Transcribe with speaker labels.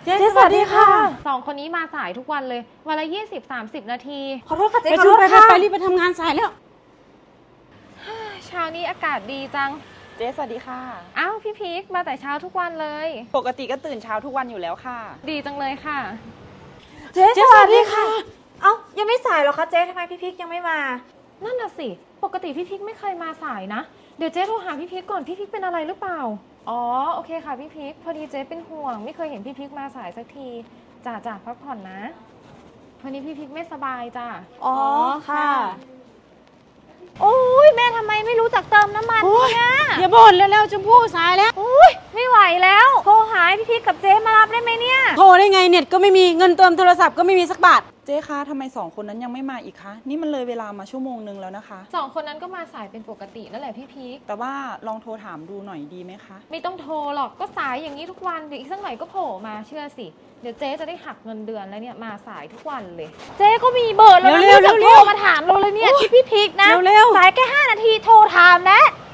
Speaker 1: จ๊สวัสดีค่ะ
Speaker 2: 2 คนนี้มาสายทุกวันเลยวันละ20-30 นาที
Speaker 1: ขอโทษค่ะเจ๊ขอโทษค่ะไปรีบไปทำงานสายแล้ว
Speaker 2: เช้านี้อากาศดีจัง
Speaker 3: เจ๊สวัสดีค่ะ
Speaker 2: อ้าวพี่พีคมาแต่เช้าทุกวันเลย
Speaker 3: ปกติก็ตื่นเช้าทุกวันอยู่แล้วค่ะ
Speaker 2: ดีจังเลยค่ะ
Speaker 1: เจ๊สวัสดีค่ะเอ้ายังไม่สายหรอคะเจ๊ทำไมพี่พิกยังไม่มา
Speaker 2: นั่นน่ะสิปกติพี่พิกไม่เคยมาสายนะเดี๋ยวเจ๊โทรหาพี่พิกก่อนพี่พิกเป็นอะไรหรือเปล่าอ๋อโอเคค่ะพี่พิกพอดีเจ๊เป็นห่วงไม่เคยเห็นพี่พิกมาสายสักทีจ่าพักผ่อนนะวันนี้พี่พิกไม่สบายจ้ะ
Speaker 1: อ๋อค่ะ
Speaker 4: โอ้ยแม่ทำไมไม่รู้จักเติมน้ำมันเนี่ย
Speaker 1: อย่าบ่นแล้วๆชมพู่สายแล้ว
Speaker 4: โอ้ยไม่ไหวแล้วโทรหาพี่พีกับเจ๊มารับได้ไหมเนี่ย
Speaker 1: โทรได้ไงเน็ตก็ไม่มีเงินเติมโทรศัพท์ก็ไม่มีสักบาท
Speaker 3: เจ๊คะทำไม2 คนนั้นยังไม่มาอีกคะนี่มันเลยเวลามาชั่วโมงนึงแล้วนะคะ
Speaker 2: 2 คนนั้นก็มาสายเป็นปกตินั่นแหละพี่พีค
Speaker 3: แต่ว่าลองโทรถามดูหน่อยดีไหมคะ
Speaker 2: ไม่ต้องโทรหรอกก็สายอย่างนี้ทุกวันเดี๋ยวอีกสักหน่อยก็โผล่มาเชื่อสิเดี๋ยวเจ๊จะได้หักเงินเดือนแล้วเนี่ยมาสายทุกวันเลย
Speaker 4: เจ๊ก็มีเบอร์แล้วนะไม่จะโทรมาถามเราเลยเนี่ยที่พี่พีกนะ
Speaker 1: เร็ว
Speaker 4: สายแค่5 นาทีโทรถามแล้ว